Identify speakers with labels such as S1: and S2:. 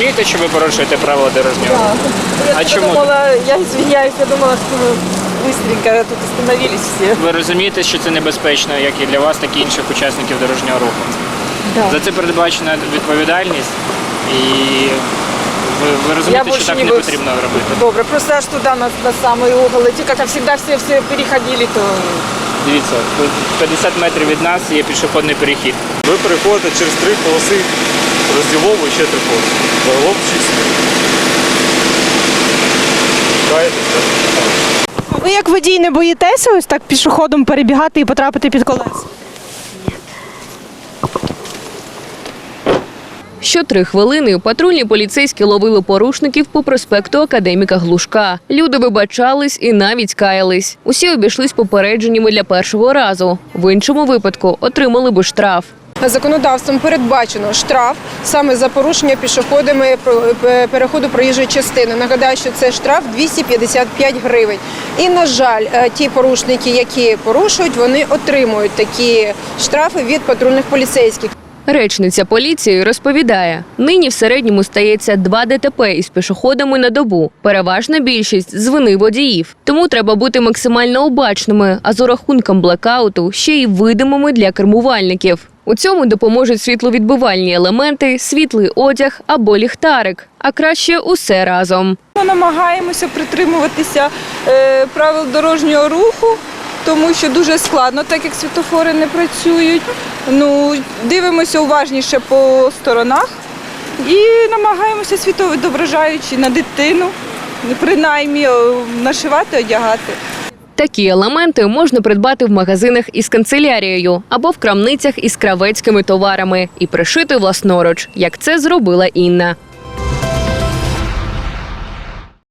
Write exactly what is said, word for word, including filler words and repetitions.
S1: розумієте, що ви порушуєте правила дорожнього руху?
S2: Да. Я
S1: А чому?
S2: Думала, я извиняюсь, я думала, что мы быстренько тут остановились все.
S1: Ви розумієте, що це небезпечно, як і для вас, так і інших учасників дорожнього руху?
S2: Да.
S1: За це передбачена відповідальність і ви, ви розумієте,
S2: Я
S1: що так
S2: больше
S1: не
S2: не буду.
S1: потрібно робити.
S2: Добре, просто аж туда на, на самый угол идти, как всегда все, все переходили, то...
S1: Дивіться, тут п'ятдесят метрів від нас є пішохідний перехід.
S3: Ви переходите через три полоси розділову і ще три полоси. Загалом шість. Чекаєте, так?
S4: Ви як водій не боїтеся ось так пішоходом перебігати і потрапити під колеса?
S5: Що три хвилини патрульні поліцейські ловили порушників по проспекту Академіка Глушка. Люди вибачались і навіть каялись. Усі обійшлись попередженнями для першого разу. В іншому випадку отримали би штраф.
S6: Законодавством передбачено штраф саме за порушення пішоходами переходу проїжджої частини. Нагадаю, що це штраф двісті п'ятдесят п'ять гривень. І, на жаль, ті порушники, які порушують, вони отримують такі штрафи від патрульних поліцейських.
S5: Речниця поліції розповідає, нині в середньому стається два ДТП із пішоходами на добу. Переважна більшість – з вини водіїв. Тому треба бути максимально обачними, а з урахунком блекауту ще й видимими для кермувальників. У цьому допоможуть світловідбивальні елементи, світлий одяг або ліхтарик. А краще усе разом.
S2: Ми намагаємося притримуватися е, правил дорожнього руху, тому що дуже складно, так як світлофори не працюють. Ну, дивимося уважніше по сторонах і намагаємося світловідображаючи на дитину, принаймні нашивати, одягати.
S5: Такі елементи можна придбати в магазинах із канцелярією або в крамницях із кравецькими товарами і пришити власноруч, як це зробила Інна.